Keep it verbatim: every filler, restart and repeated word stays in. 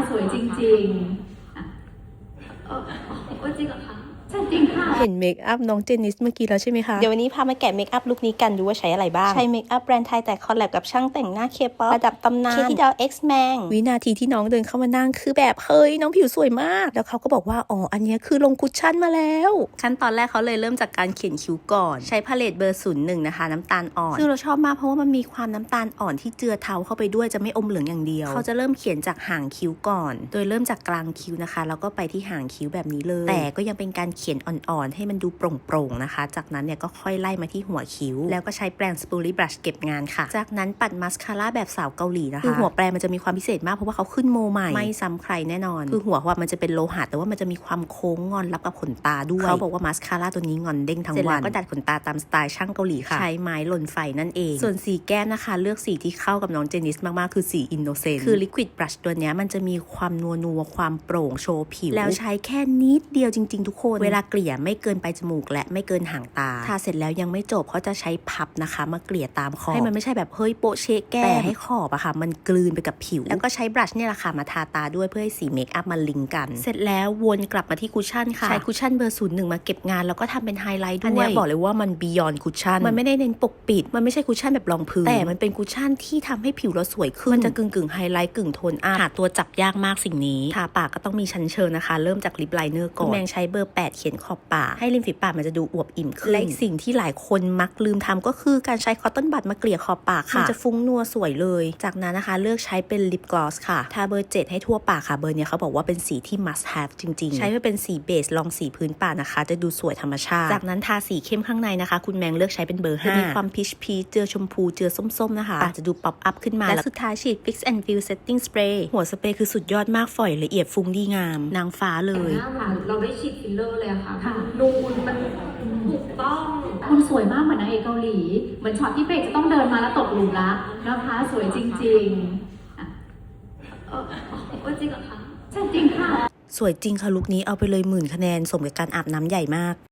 สวยจริงๆอ่ะเออเออจริงเหรอคะใช่จริงค่ะเห็นเมคอัพน้องเจนนิสเมื่อกี้แล้วใช่ไหมคะเดี๋ยววันนี้พามาแกะเมคอัพลุคนี้กันดูว่าใช้อะไรบ้างใช้เมคอัพแบรนด์ไทยแต่คอลแลบกับช่างแต่งหน้าเคป๊อประดับตำนานเคที่ดาวเอ็กซ์แมงวินาทีที่น้องเดินเข้ามานั่งคือแบบเฮ้ยน้องผิวสวยมากแล้วเขาก็บอกว่าอ๋ออันนี้คือลงคุชชั่นมาแล้วขั้นตอนแรกเขาเลยเริ่มจากการเขียนคิ้วก่อนใช้พาเลตเบอร์ศูนย์หนึ่งนะคะน้ำตาลอ่อนซึ่งเราชอบมากเพราะว่ามันมีความน้ำตาลอ่อนที่เจือเทาเข้าไปด้วยจะไม่อมเหลืองอย่างเดียวเขาจะเริ่มเขียนจากหางคิ้วก่อนโดยเริ่มจากกลางคิ้วนะคะแล้วก็ไปที่หางคิ้วแบบนี้เลยแต่ก็ยังเป็นการเขียนอ่อนๆให้มันดูโปร่งๆนะคะจากนั้นเนี่ยก็ค่อยไล่มาที่หัวคิ้วแล้วก็ใช้แปรงสปูรี่บรัชเก็บงานค่ะจากนั้นปัดมัสคาร่าแบบสาวเกาหลีนะคะคือหัวแปรงมันจะมีความพิเศษมากเพราะว่าเขาขึ้นโมใหม่ไม่ซ้ำใครแน่นอนคือหัวว่ามันจะเป็นโลหะแต่ว่ามันจะมีความโค้งงอนรับกับขนตาด้วยเขาบอกว่ามัสคาร่าตัวนี้งอนเด้งทั้งวันก็ดัดขนตาตามสไตล์ช่างเกาหลีค่ะใช้ไม้หล่นไฟนั่นเองส่วนสีแก้มนะคะเลือกสีที่เข้ากับน้องเจนิสมากๆคือสีอินโนเซนต์คือลิควิดบรัชตัวนี้มันจะมีความนัวนัวความโปร่งโชว์ผิวแล้วใช้แค่นิดเดียวจริงๆทุกคนเวลาเกลี่ยไม่เกินไปจมูกและไม่เกินหางตาทาเสร็จแล้วยังไม่จบเขาจะใช้พับนะคะมาเกลี่ยตามขอบให้มันไม่ใช่แบบเฮ้ยโปะเชะแก้มแต่ให้ขอบอะค่ะมันกลืนไปกับผิวแล้วก็ใช้บรัชเนี่ยแหละค่ะมาทาตาด้วยเพื่อให้สีเมคอัพมันลิงก์กันเสร็จแล้ววนกลับมาที่คุชชั่นค่ะใช้คุชชั่นเบอร์ศูนย์หนึ่งมาเก็บงานแล้วก็ทำเป็นไฮไลท์ด้วยอันนี้บอกเลยว่ามันบียอนคุชชั่นมันไม่ได้เน้นปกปิดมันไม่ใช่คุชชั่นแบบรองพื้นแต่มันเป็นคุชชั่นที่ทำให้ผิวเราสวยขึ้นมันจะกึ่งกึ่งไฮไลท์กึ่งโทนอัพหาตัวจับยากมากสิ่งนี้ทาปากก็ต้องมีชั้นเชิงนะคะเริ่มจากลิปไลเนอร์ก่อนแมงใช้เบอร์แปดเขียนขอบปากให้ริมฝีปากมันจะดูอวบอิ่มขึ้นและอีกสิ่งที่หลายคนมักลืมทำก็คือการใช้คอตตอนบัดมาเกลี่ยขอบปากค่ะมันจะฟุ้งนัวสวยเลยจากนั้นนะคะเลือกใช้เป็นลิปกลอสค่ะทาเบอร์เจ็ดให้ทั่วปากค่ะเบอร์เนี้ยเขาบอกว่าเป็นสีที่ must have จริงๆใช้เพื่อเป็นสีเบสลองสีพื้นปากนะคะจะดูสวยธรรมชาติจากนั้นทาสีเข้มข้างในนะคะคุณแมงเลือกใช้เป็นเบอร์ห้าจะมีความพีชพีชเจือชมพูเจือส้มๆนะคะอาจจะดูป๊อปอัพขึ้นมาและสุดท้ายฉีด Fix and Fill Setting Spray หัวสเปรย์คือสุดยอดมากฝอยละเอียดฟุ้งดีงามนางฟ้าเลยเราได้ฉีดฟิลเลอร์เลยค่ะนูนมันถูกต้องคุณสวยมากเหมือนนางเอกเกาหลีเหมือนช็อตที่เบรกจะต้องเดินมาแล้วตกหลุมรักนะคะสวยจริงๆอ่ะเออเออจริงเหรอคะใช่จริงค่ะสวยจริงค่ะลุคนี้เอาไปเลยหมื่นคะแนนสมกับการอาบน้ำใหญ่มาก